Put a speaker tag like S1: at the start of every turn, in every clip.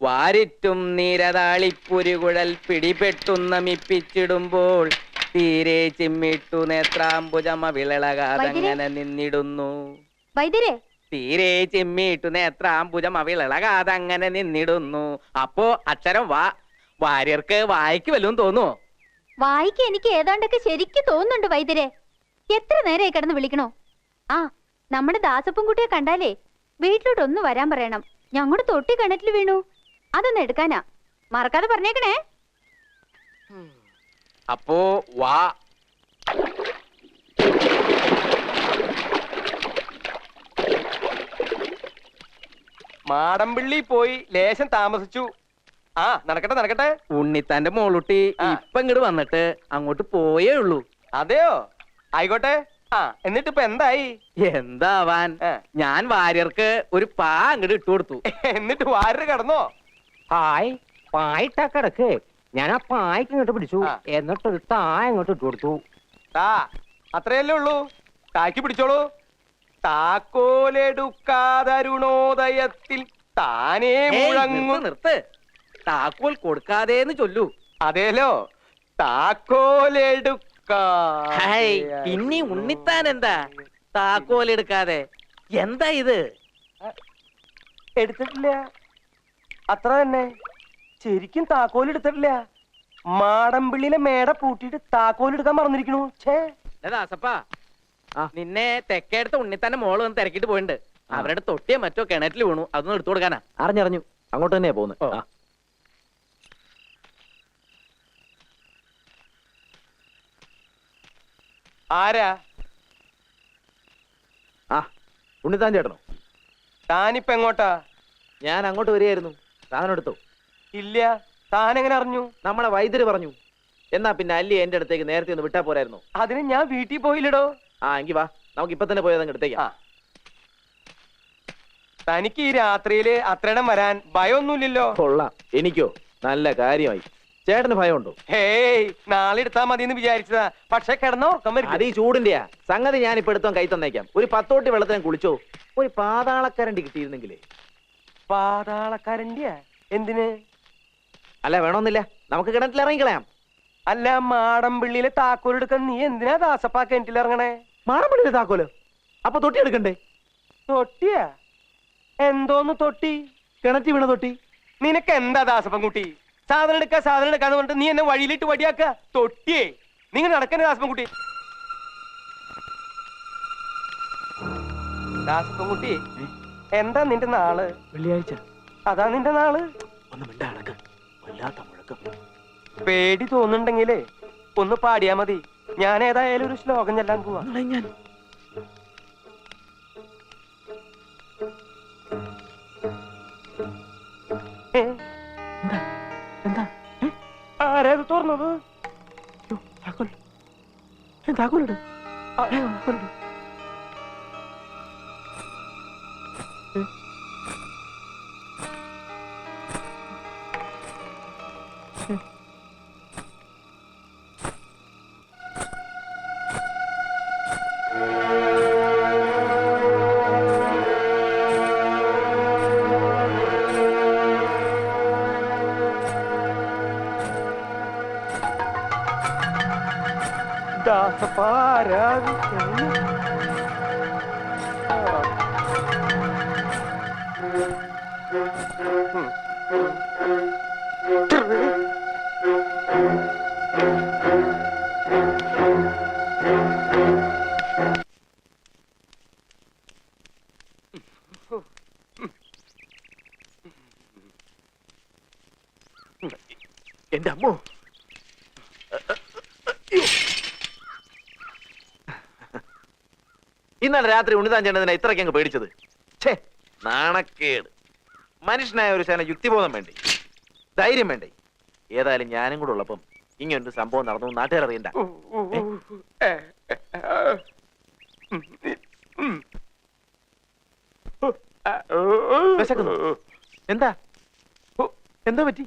S1: വാരിറ്റും നീരതാളിപ്പുരുകുഴൽ പിടിപെട്ടുന്നമിപ്പിച്ചിടുമ്പോൾ തീരെ ചിമ്മിട്ടു നേത്രാംബുജമ വിളളകാതങ്ങനെ നിന്നിടുന്നു. തീരെ ചിമ്മിട്ടു നേത്രാംബുജം അവിളകാതങ്ങനെ നിന്നിടുന്നു. അപ്പോ അക്ഷരം വാ. വാര്യർക്ക് വായിക്ക് വല്ലതും തോന്നുവോ?
S2: വായിക്ക് എനിക്ക് ഏതാണ്ടൊക്കെ ശരിക്കും തോന്നുന്നുണ്ട് വൈദ്യരെ. എത്ര നേരമായി കിടന്ന് വിളിക്കണോ? ആ, നമ്മുടെ ദാസപ്പൻകുട്ടിയെ കണ്ടാലേ വീട്ടിലോട്ട് ഒന്ന് വരാൻ പറയണം. ഞങ്ങളുടെ തൊട്ടി കിണറ്റിൽ വീണു, അതൊന്ന് എടുക്കാനാ. മറക്കാതെ പറഞ്ഞേക്കണേ.
S1: അപ്പോ വാ.
S3: മാടമ്പിള്ളി പോയി ലേശം താമസിച്ചു. ആ, നടക്കട്ടെ നടക്കട്ടെ.
S1: ഉണ്ണിത്താന്റെ മോളുട്ടി ഇപ്പൊ ഇങ്ങോട്ട് വന്നിട്ട് അങ്ങോട്ട് പോയേ ഉള്ളൂ.
S3: അതെയോ? ആയിക്കോട്ടെ. ആ, എന്നിട്ട് ഇപ്പൊ എന്തായി?
S1: എന്താവാൻ, ഞാൻ വാര്യർക്ക് ഒരു പാ അങ്ങോട്ട് ഇട്ടു കൊടുത്തു.
S3: എന്നിട്ട് വാര്യർ കിടന്നോ?
S4: ഹായ്, പായിട്ടാ കിടക്ക്. ഞാൻ ആ പായ്ക്ക് ഇങ്ങോട്ട് പിടിച്ചു, എന്നിട്ടൊരു താ ഇങ്ങോട്ട് ഇട്ടു കൊടുത്തു.
S3: താ, അത്രയല്ലേ ഉള്ളൂ. താക്കി പിടിച്ചോളൂ. താക്കോലെടുക്കാതരുണോദയത്തിൽ താനേ മുഴങ്ങു.
S1: നിർത്ത്. താക്കോൽ കൊടുക്കാതേന്ന് ചൊല്ലൂ.
S3: അതേലോ, താക്കോലെടുക്ക.
S1: പിന്നെ ഉണ്ണിത്താൻ എന്താ താക്കോൽ എടുക്കാതെ? എന്താ ഇത്?
S3: എടുത്തിട്ടില്ല, അത്ര തന്നെ. ശരിക്കും താക്കോൽ എടുത്തിട്ടില്ല. മാടമ്പിള്ളിയിലെ മേട പൂട്ടിയിട്ട് താക്കോൽ എടുക്കാൻ മറന്നിരിക്കണു.
S1: ദാസപ്പാ, നിന്നെ തെക്കേടുത്ത ഉണ്ണിത്താന്റെ മോള് വന്ന് തിരക്കിട്ട് പോയിട്ടുണ്ട്. അവരുടെ തൊട്ടിയെ മറ്റോ കിണറ്റിൽ വീണു, അതൊന്നും എടുത്തു കൊടുക്കാനാ.
S4: അറിഞ്ഞറിഞ്ഞു, അങ്ങോട്ട് തന്നെയാ പോകുന്നത്.
S3: ആരാ?
S4: ആ, ഉണ്ണിത്താൻ ചേട്ടനോ?
S3: താനിപ്പ എങ്ങോട്ടാ?
S4: ഞാൻ അങ്ങോട്ട് വരികയായിരുന്നു. സാധനം എടുത്തോ?
S3: ഇല്ല. താൻ എങ്ങനെ അറിഞ്ഞു?
S4: നമ്മളെ വൈദ്യര് പറഞ്ഞു. എന്നാ പിന്നെ അല്ലി എന്റെ അടുത്തേക്ക് നേരത്തെ ഒന്ന് വിട്ടാ പോരായിരുന്നു?
S3: അതിന് ഞാൻ വീട്ടിൽ പോയില്ലടോ.
S4: ആ, എങ്കി വാ, നമുക്ക് ഇപ്പൊ തന്നെ പോയത് അങ്ങ് എടുത്തേക്കാം.
S3: തനിക്ക് ഈ രാത്രിയില് അത്രയിടം വരാൻ ഭയമൊന്നുമില്ലല്ലോ?
S4: കൊള്ളാം. എനിക്കോ? നല്ല കാര്യമായി. ചേട്ടന് ഭയമുണ്ടോ?
S3: ഹേയ്, നാളെ എടുത്താ മതി എന്ന് വിചാരിച്ചതാ. പക്ഷെ കിടന്ന ഉറക്കം വരും.
S4: അത് ഈ ചൂടിന്റെയാ. സംഗതി ഞാൻ ഇപ്പൊ എടുത്തോ കൈ തന്നേക്കാം. ഒരു 10 തോട്ടി വെള്ളത്തിന് കുളിച്ചോ. ഒരു പാതാളക്കരണ്ടി കിട്ടിയിരുന്നെങ്കിലേ.
S3: പാതാളക്കരണ്ടിയാ? എന്തിന്?
S4: അല്ല, വേണമെന്നില്ല, നമുക്ക് കിണറ്റിൽ ഇറങ്ങിക്കളയാം.
S3: അല്ല, മാടമ്പിള്ളിയിലെ താക്കോൽ എടുക്കാൻ നീ എന്തിനാ ദാസപ്പാ കിണറ്റിൽ ഇറങ്ങണേ?
S4: മാടമ്പിള്ളിയിലെ താക്കോല്? അപ്പൊ തൊട്ടി എടുക്കണ്ടേ?
S3: തൊട്ടിയാ? എന്തോന്ന് തൊട്ടി?
S4: കിണറ്റി വീണ തൊട്ടി.
S3: നിനക്ക് എന്താ ദാസപ്പൻകുട്ടി? സാധനം എടുക്കാന്ന് പറഞ്ഞിട്ട് നീ എന്നെ വഴിയിലിട്ട് വടിയാക്ക. തൊട്ടിയേ, നിങ്ങൾ നടക്കണേ ദാസപ്പൻകുട്ടി. ദാസപ്പൻകുട്ടി, എന്താ നിന്റെ നാള്?
S4: വെള്ളിയാഴ്ച.
S3: അതാ നിന്റെ നാള്? പേടി തോന്നുന്നുണ്ടെങ്കിലേ ഒന്ന് പാടിയാ മതി. ഞാൻ ഏതായാലും ഒരു ശ്ലോകം ചെല്ലാൻ പോവാ. ആരേത് തുറന്നത്?
S4: താക്കോലിട്.
S3: ദാസപ്പാരാ?
S4: എന്റെ അമ്മോ, ഇന്നലെ രാത്രി ഉണ്ണിതാൻ ചേട്ടനെ ഇത്രയ്ക്ക് അങ്ങ് പേടിച്ചത്. ഛേ, നാണക്കേട്. മനുഷ്യനായ ഒരു ശേന യുക്തിബോധം വേണ്ടേ, ധൈര്യം വേണ്ടേ? ഏതായാലും ഞാനും കൂടെ ഉള്ളപ്പം ഇങ്ങനൊരു സംഭവം നടന്നു നാട്ടുകാർ അറിയണ്ട. എന്താ എന്താ പറ്റി?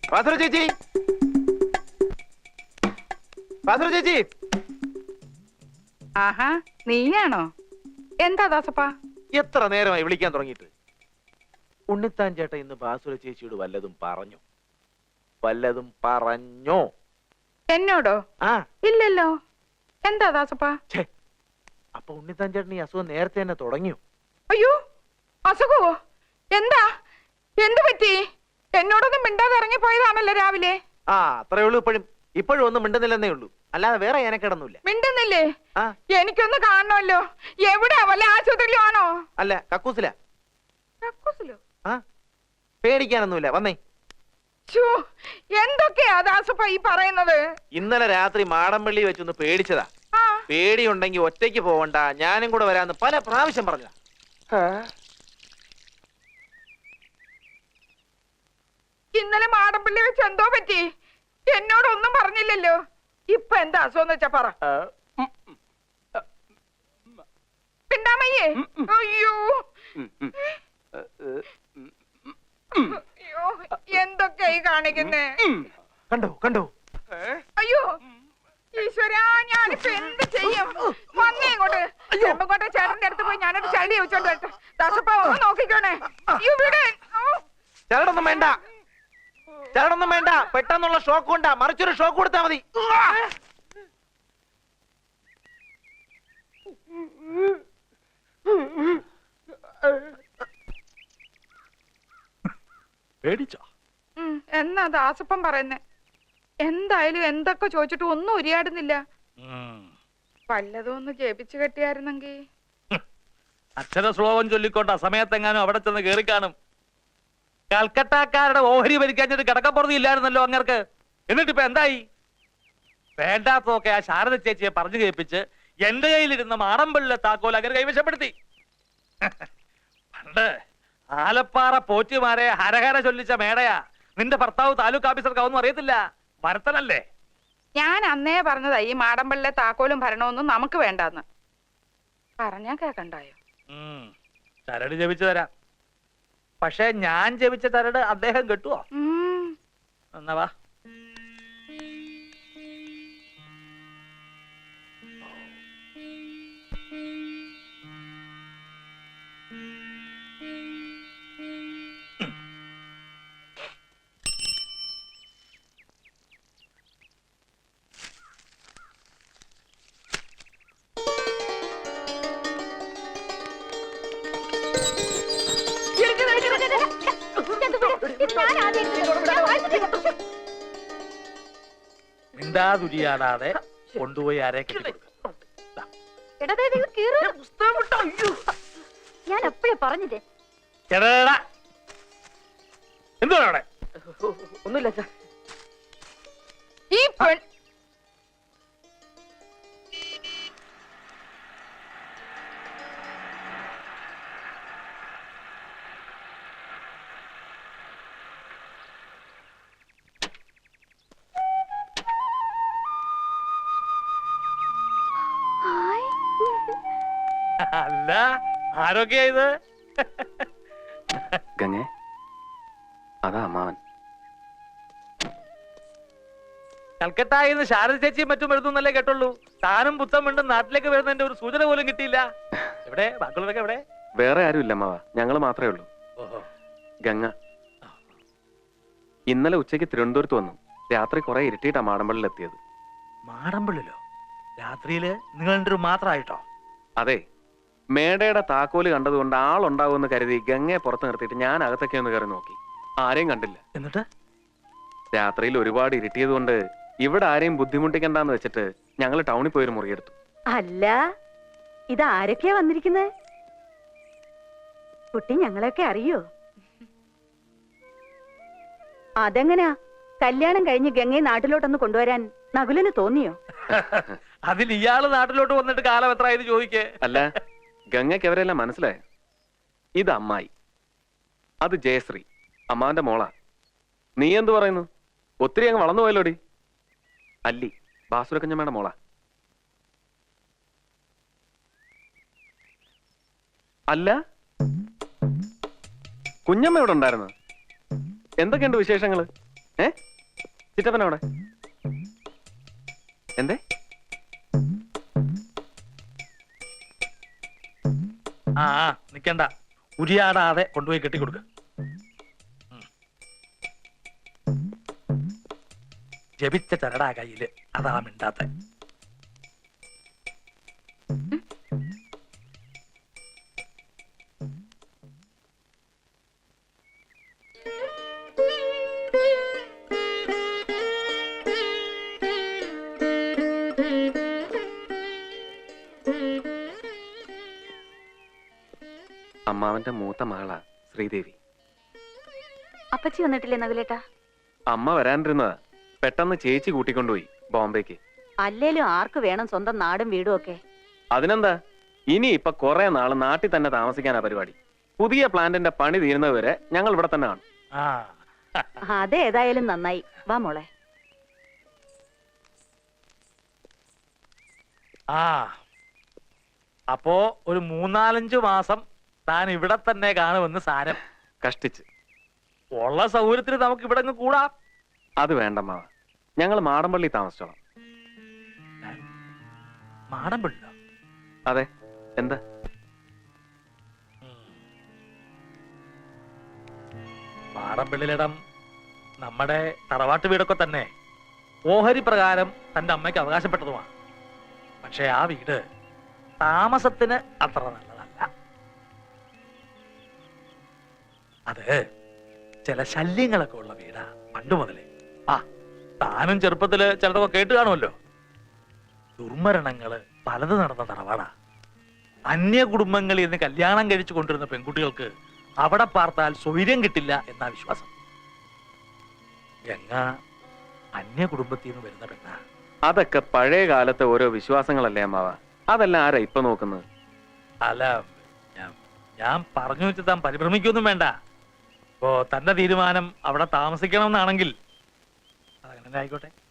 S4: വാസുര ചേച്ചി, വാസുര ചേച്ചി.
S5: ആഹാ, നീയാണോ? എന്താ ദാസപ്പാ?
S4: എത്ര നേരമായി വിളിക്കാൻ തുടങ്ങിയിട്ട്? ഉണ്ണിത്താൻ ചേട്ട ഇന്ന് ബാസുര ചേച്ചിയോട് വല്ലതും പറഞ്ഞോ? വല്ലതും പറഞ്ഞോ?
S5: എന്നോടോ?
S4: ആ,
S5: ഇല്ലല്ലോ. എന്താ ദാസപ്പാ?
S4: ഛേ, അപ്പൊ ഉണ്ണിത്താൻ ചേട്ടൻ ഈ അസുഖം നേരത്തെ തന്നെ തുടങ്ങിയോ?
S5: അയ്യോ, അസുഖവോ? എന്താ? എന്തു പറ്റി? എന്നോടൊന്നും മിണ്ടാതെ ഇറങ്ങിപ്പോയതാണല്ലോ രാവിലെ.
S4: ആ, അത്രേ ഉള്ളൂ. ഇപ്പോഴും ഒന്നും മിണ്ടുന്നില്ലെന്നേ ഉള്ളൂ, അല്ലാതെ വേറെ ഞാനക്കിടന്നില്ല.
S5: മിണ്ടുന്നില്ലേ?
S4: ആ,
S5: എനിക്കൊന്ന് കാണണമല്ലോ. എവിടെയാ? വല്ല ആശുപത്രിയിലും ആണോ?
S4: അല്ല, കക്കൂസില.
S5: കക്കൂസിലോ?
S4: ആ, പേടിക്കാനൊന്നുമില്ല, വന്നേ.
S5: ഛോ, എന്തൊക്കെയാ ദാസപ്പ ഈ പറയുന്നത്?
S4: ഇന്നലെ രാത്രി മാടമ്പള്ളി വെച്ചൊന്ന് പേടിച്ചതാ.
S5: ആ,
S4: പേടിയുണ്ടെങ്കിൽ ഒറ്റയ്ക്ക് പോവണ്ട, ഞാനും കൂടെ വരാന്ന് പല പ്രാവശ്യം പറഞ്ഞതാ.
S5: ഇന്നലെ മാടമ്പള്ളി വെച്ച് എന്തോ പറ്റി? എന്നോടൊന്നും പറഞ്ഞില്ലല്ലോ. ഇപ്പൊ എന്താ അസുഖം വെച്ചാ പറ. പിണ്ടാമയ്യേ? അയ്യോ, അയ്യോ, എന്തൊക്കെയാ ഈ കാണിക്കുന്നേ?
S4: കണ്ടോ കണ്ടോ?
S5: അയ്യോ ഈശ്വരാ, ഞാനിപ്പോ എന്ത് ചെയ്യും? വന്നേ ഇങ്ങോട്ട്. ചെമ്പങ്കോട്ടെ ചേട്ടന്റെ അടുത്ത് പോയി ഞാനൊരു ചളി വെച്ചോണ്ട് വരട്ടെ. ദാസപ്പ ഒന്ന് നോക്കിക്കോണേ. ഇവിടെ
S4: ചരടൊന്നും വേണ്ട, ചരടൊന്നും വേണ്ട. പെട്ടെന്നുള്ള ഷോക്ക് കൊണ്ടാ, മറിച്ചൊരു ഷോക്ക് കൊടുത്താ മതി. പേടിച്ചോ?
S5: എന്നാ ദാസപ്പൻ പറയുന്നേ? എന്തായാലും എന്തൊക്കെ ചോദിച്ചിട്ട് ഒന്നും ഉരിയാടുന്നില്ല. വല്ലതും ഒന്ന് ജപിച്ചു കെട്ടിയായിരുന്നെങ്കി.
S6: അക്ഷര ശ്ലോകം ചൊല്ലിക്കൊണ്ട് അസമയത്തെങ്ങാനും അവിടെ ചെന്ന് കേറി കാണും. കൽക്കട്ടക്കാരുടെ ഓഹരി ഭരിക്കാഞ്ഞിട്ട് കിടക്കപ്പുറത്ത് ഇല്ലായിരുന്നല്ലോ അങ്ങർക്ക്. എന്നിട്ടിപ്പോ എന്തായി? വേണ്ടാത്തതൊക്കെ ആ ശാരദ ചേച്ചിയെ പറഞ്ഞു കേൾപ്പിച്ച് എന്റെ കയ്യിലിരുന്ന മാടമ്പള്ളിലെ താക്കോൽ അങ്ങനെ കൈവശപ്പെടുത്തി. പണ്ട് ആലപ്പാറ പോറ്റുമാരെ ഹരഹര ചൊല്ലിച്ച മേടയാ. നിന്റെ ഭർത്താവ് താലൂക്ക് ഓഫീസർക്കാവൊന്നും അറിയത്തില്ല, ഭരത്തനല്ലേ?
S5: ഞാൻ അന്നേ പറഞ്ഞതാ ഈ മാടമ്പള്ളിലെ താക്കോലും ഭരണമൊന്നും നമുക്ക് വേണ്ടാന്ന്. പറഞ്ഞാ കേക്കണ്ടായോ?
S6: ചരട് ജപിച്ചു തരാം. പക്ഷെ ഞാൻ ജപിച്ച ചരട് അദ്ദേഹം കെട്ടുവോ? എന്നാ വാ. മിണ്ടാതുരിയാടാതെ കൊണ്ടുപോയി ആരെ കെട്ടിക്കൊടുക്കും.
S2: ഞാൻ എപ്പോഴേ പറഞ്ഞില്ലേ?
S6: എന്തുവാ അവിടെ?
S1: ഒന്നുമില്ല സാർ.
S5: ഈ പെൺ
S6: അല്ല, ആരൊക്കെയാ ഇത്?
S3: ഗംഗേ, അതാ അമ്മാവൻ.
S6: കൽക്കട്ടായിന്ന് ശാരദ ചേച്ചിയും മറ്റും എഴുതുന്നല്ലേ കേട്ടുള്ളൂ. താനും പുത്തം വീണ്ടും നാട്ടിലേക്ക് വരുന്നതിന്റെ ഒരു സൂചന പോലും കിട്ടിയില്ല. എവിടെ ബാക്കിയുള്ളവരൊക്കെ എവിടെ?
S3: വേറെ ആരുമില്ല അമ്മാവ, ഞങ്ങള് മാത്രമേ ഉള്ളൂ. ഗംഗ ഇന്നലെ ഉച്ചയ്ക്ക് തിരുവനന്തപുരത്ത് വന്നു. രാത്രി കുറെ ഇരുട്ടിയിട്ടാ മാടമ്പള്ളിൽ എത്തിയത്.
S6: മാടമ്പള്ളിലോ? രാത്രിയില് നിങ്ങൾ രണ്ടുപേരും മാത്രമായിട്ടോ?
S3: അതെ, മേടയുടെ താക്കോല് കണ്ടതുകൊണ്ട് ആളുണ്ടാവുമെന്ന് കരുതി ഗംഗയെ പുറത്ത് നിർത്തിയിട്ട് ഞാൻ അകത്തൊക്കെ ഒന്ന് കയറി നോക്കി. ആരെയും കണ്ടില്ല.
S6: എന്നിട്ട്
S3: രാത്രിയിൽ ഒരുപാട് ഇരുട്ടിയത് കൊണ്ട് ഇവിടെ ആരെയും ബുദ്ധിമുട്ടിക്കണ്ടെന്ന് വെച്ചിട്ട് ഞങ്ങൾ ടൗണിൽ പോയൊരു മുറിയെടുത്തു.
S7: അല്ല, ഇത് ആരൊക്കെയാ വന്നിരിക്കുന്നത്? കുട്ടി ഞങ്ങളെയൊക്കെ അറിയോ? അതെങ്ങനെയാ കല്യാണം കഴിഞ്ഞ് ഗംഗയെ നാട്ടിലോട്ടൊന്ന് കൊണ്ടുവരാൻ നകുലിന് തോന്നിയോ?
S6: അതിൽ ഇയാള് നാട്ടിലോട്ട് വന്നിട്ട് കാലം എത്രയായത് ചോദിക്കേ?
S3: അല്ല, ഗംഗയ്ക്ക് അവരെല്ലാം മനസ്സിലായോ? ഇത് അമ്മായി, അത് ജയശ്രീ, അമ്മാവന്റെ മോളാ. നീ എന്തു പറയുന്നു? ഒത്തിരി അങ്ങ് വളർന്നു പോയല്ലോടി. അല്ലി, ബാസുരക്കഞ്ഞമ്മയുടെ മോളാ. അല്ല, കുഞ്ഞമ്മ ഇവിടെ ഉണ്ടായിരുന്നു. എന്തൊക്കെയുണ്ട് വിശേഷങ്ങള്? ചിറ്റപ്പനവിടെ എന്തേ?
S6: ആ നിക്കണ്ട, ഉരിയാടാതെ കൊണ്ടുപോയി കെട്ടിക്കൊടുക്ക. ജപിച്ച ചരടാ കയ്യില്, അതാ മിണ്ടാത്ത.
S3: അമ്മാവന്റെ മൂത്ത മകളാ ശ്രീദേവി.
S7: അപ്പച്ചി വന്നിട്ടില്ലേ നകുലേട്ടാ?
S3: അമ്മ വരാനിരുന്നതാ, പെട്ടെന്ന് ചേച്ചി കൂട്ടിക്കൊണ്ടുപോയി ബോംബേക്ക്.
S7: അല്ലേലും ആർക്ക് വേണം സ്വന്തം നാടും വീടും ഒക്കെ?
S3: അതിനെന്താ, ഇനി ഇപ്പൊ കുറെ നാള് നാട്ടിൽ തന്നെ താമസിക്കാനാ പരിപാടി. പുതിയ പ്ലാന്റിന്റെ പണി തീരുന്നവരെ ഞങ്ങൾ ഇവിടെ തന്നെ കാണും.
S7: അതേതായാലും നന്നായി. വാ മോളെ.
S6: ആ അപ്പോ ഒരു 3-4 മാസം താൻ ഇവിടെ തന്നെ കാണുമെന്ന് സാരം.
S3: കഷ്ടിച്ച്.
S6: ഉള്ള സൗകര്യത്തിന് നമുക്ക് ഇവിടെ അങ്ങ് കൂടാം.
S3: അത് വേണ്ടമ്മാവ, ഞങ്ങൾ മാടമ്പള്ളി താമസിച്ചോളാം.
S6: മാടമ്പള്ളി?
S3: അതെ, എന്താ?
S6: മാടമ്പള്ളിയിലിടം നമ്മുടെ തറവാട്ട് വീടൊക്കെ തന്നെ ഓഹരി പ്രകാരം തന്റെ അമ്മയ്ക്ക് അവകാശപ്പെട്ടതുമാണ്. പക്ഷെ ആ വീട് താമസത്തിന് അത്ര നല്ലതല്ല. അത് ചില ശല്യങ്ങളൊക്കെ ഉള്ള വീടാ പണ്ട് മുതലേ. ആ താനും ചെറുപ്പത്തില് ചിലതൊക്കെ കേട്ട് കാണുമല്ലോ. ദുർമരണങ്ങള് പലത് നടന്ന തറവാടാ. അന്യ കുടുംബങ്ങളിൽ നിന്ന് കല്യാണം കഴിച്ചു കൊണ്ടിരുന്ന പെൺകുട്ടികൾക്ക് അവിടെ പാർത്താൽ സ്വൈര്യം കിട്ടില്ല എന്നാ വിശ്വാസം. ഗംഗ അന്യ കുടുംബത്തിൽ നിന്ന് വരുന്ന പെണ്ണ.
S3: അതൊക്കെ പഴയ കാലത്തെ ഓരോ വിശ്വാസങ്ങളല്ലേ അമ്മാവ, അതെല്ലാം ആരാ ഇപ്പൊ നോക്കുന്നത്?
S6: അല്ല, ഞാൻ പറഞ്ഞു വെച്ച് താൻ പരിഭ്രമിക്കൊന്നും വേണ്ട. ഇപ്പോ തന്റെ തീരുമാനം അവിടെ താമസിക്കണം എന്നാണെങ്കിൽ അതങ്ങനെ ആയിക്കോട്ടെ.